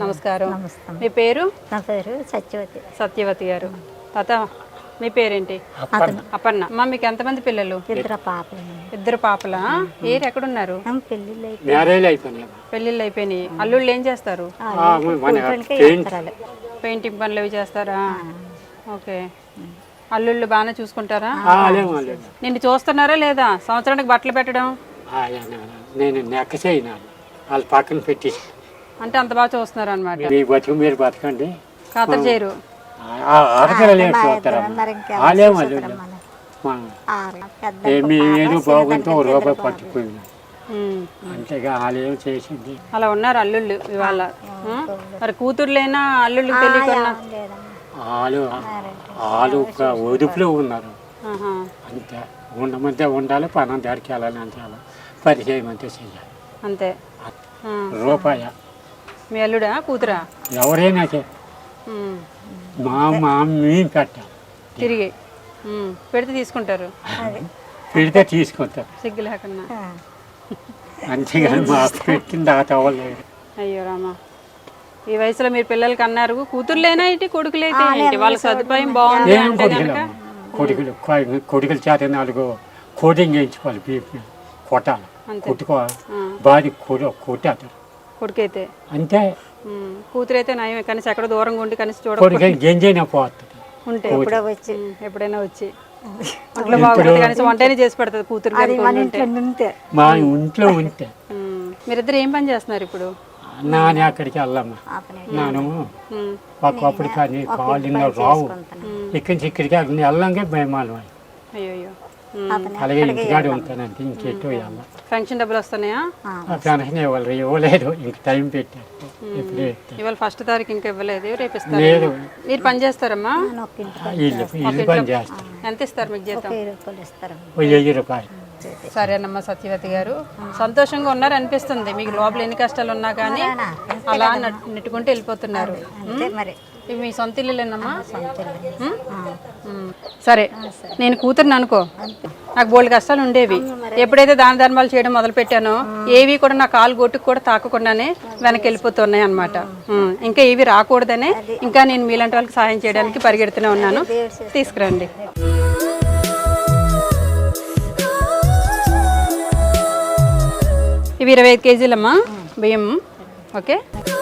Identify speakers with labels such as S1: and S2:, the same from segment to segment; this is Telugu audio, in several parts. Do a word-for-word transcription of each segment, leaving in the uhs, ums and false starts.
S1: నమస్కారం. మీ పేరు?
S2: నా పేరు సత్యవతి.
S1: సత్యవతి గారు. తాత మీ పేరేంటి? అపర్ణ. అమ్మ మీకు ఎంతమంది పిల్లలు?
S2: ఇద్దరు పాపలు.
S1: ఇద్దరు పాపలా? ఏరు ఎక్కడున్నారు?
S2: పెళ్ళిళ్ళు
S1: పెళ్ళిళ్ళు అయిపోయినాయి. అల్లుళ్ళు ఏం చేస్తారు? పెయింటింగ్ పనులు అవి చేస్తారా? ఓకే. అల్లుళ్ళు బాగానే చూసుకుంటారా? నిన్ను చూస్తున్నారా లేదా? సంవత్సరానికి బట్టలు పెట్టడం
S3: నేను నెక్క చేయను, వాళ్ళు పక్కన పెట్టి.
S1: అంటే అంత బాగా చూస్తున్నారు అనమాట.
S3: మీ బతుకు మీరు బతకండి,
S1: ఖాతరు చేయరు. ఏదో
S3: బాగుంటే ఒక రూపాయి పట్టుకుపోయింది, అంతేగా వాళ్ళేం చేసింది.
S1: అలా ఉన్నారు అల్లుళ్ళు ఇవాళ. మరి కూతుర్లైనా అల్లుళ్ళు తెలియకుండా
S3: వాళ్ళు వాళ్ళు ఒక ఒదుపులో ఉన్నారు. అంతే, ఉండమంటే ఉండాలి, పనం దారికి వెళ్ళాలి, అంతే. అలా పరిచయం అంతే చెయ్యాలి
S1: అంతే.
S3: రూపాయ
S1: మీ అల్లుడా కూతురా?
S3: ఎవరైనా మా మా మేము పెట్టాం,
S1: తిరిగి పెడితే తీసుకుంటారు,
S3: పెడితే తీసుకుంటారు
S1: సిగ్గు లేకుండా.
S3: అంతేగాని మాకు పెట్టింది ఆ తవ్వలేదు.
S1: అయ్యో రామా, ఈ వయసులో మీరు పిల్లలకి అన్నారు కూతుర్లేనా ఏంటి కొడుకులైతే ఏంటి? వాళ్ళ సదుపాయం బాగుంది అంటే కనుక
S3: కొడుకులు కొడుకుల చేత నాలుగు కోటింగ్ చేయించుకోవాలి, బీపీ కొట్టాలి, కొట్టుకోవాలి, బాధి కొట్టారు
S1: కొడుకైతే.
S3: అంతే.
S1: కూతురైతే నయమే, కనీసం ఎక్కడ దూరంగా ఉండి కనీసం చూడ
S3: గెంజైనా పోతుంది
S1: ఉంటే ఎప్పుడైనా వచ్చి అట్లా బాగుంటుంది, కనీసం వంటనే చేసి పెడుతుంది కూతురు.
S3: మా ఇంట్లో ఉంటే.
S1: మీరిద్దరు ఏం పని చేస్తున్నారు ఇప్పుడు?
S3: నాని అక్కడికి వెళ్ళమ్మా, నాను ఒకప్పుడు కానీ కాళ్ళు రావు, ఇక్కడి నుంచి ఇక్కడికి అక్కడికి వెళ్ళంగా భయమాలు.
S1: అయ్యో,
S3: అలాగే ఇంటికాడ ఉంటానంటే ఇంకెట్టో వెళ్ళాలి.
S1: ఫంక్షన్ డబ్బులు వస్తున్నాయా?
S3: ఫంక్షన్ ఇవ్వాలి, ఇవ్వలేదు, ఇంక టైం పెట్టారు.
S1: ఇవాళ ఫస్ట్ తారీఖు ఇంకా ఇవ్వలేదు, రేపు ఇస్తారు. మీరు పని చేస్తారమ్మా?
S3: ఇల్లు ఇల్లు పని చేస్తారు.
S1: ఎంత ఇస్తారు మీకు జీతం?
S3: వెయ్యి రూపాయలు.
S1: సరేనమ్మా సత్యవతి గారు, సంతోషంగా ఉన్నారు అనిపిస్తుంది. మీకు లోపల ఎన్ని కష్టాలు ఉన్నా కానీ అలా నెట్టుకుంటూ వెళ్ళిపోతున్నారు. ఇవి మీ సొంత ఇల్లులేనమ్మా? సరే, నేను కూతురుని అనుకో, నాకు బోల్డ్ కష్టాలు ఉండేవి. ఎప్పుడైతే దాన ధర్మాలు చేయడం మొదలు పెట్టానో ఏవి కూడా నా కాలు గొట్టుకు కూడా తాకకుండానే వెనక్కి వెళ్ళిపోతున్నాయి అనమాట. ఇంకా ఏవి రాకూడదనే ఇంకా నేను మీలాంటి వాళ్ళకి సహాయం చేయడానికి పరిగెడుతూనే ఉన్నాను. తీసుకురండి. ఇవి ఇరవై ఐదు కేజీలమ్మా బియ్యం. ఓకే,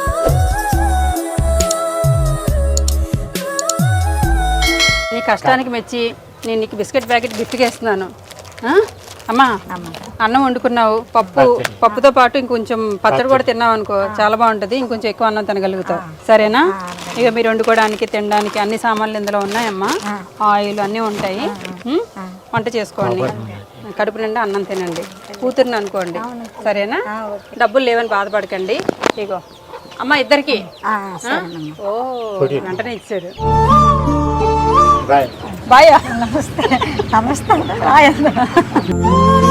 S1: నీ కష్టానికి మెచ్చి నేను నీకు బిస్కెట్ ప్యాకెట్ గిఫ్ట్గా ఇస్తున్నాను. అమ్మా, అన్నం వండుకున్నావు, పప్పు పప్పుతో పాటు ఇంకొంచెం పచ్చడి కూడా తిన్నావు అనుకో, చాలా బాగుంటుంది. ఇంకొంచెం ఎక్కువ అన్నం తినగలుగుతావు, సరేనా? ఇక మీరు వండుకోవడానికి తినడానికి అన్ని సామాన్లు ఇందులో ఉన్నాయమ్మా. ఆయిల్ అన్నీ ఉంటాయి. వంట చేసుకోండి, కడుపు నిండా అన్నం తినండి. కూతుర్ని అనుకోండి, సరేనా? డబ్బులు లేవని బాధపడకండి. ఇగో అమ్మ ఇద్దరికి. ఓ, వెంటనే ఇచ్చారు. బాయ్. నమస్తే. నమస్తే.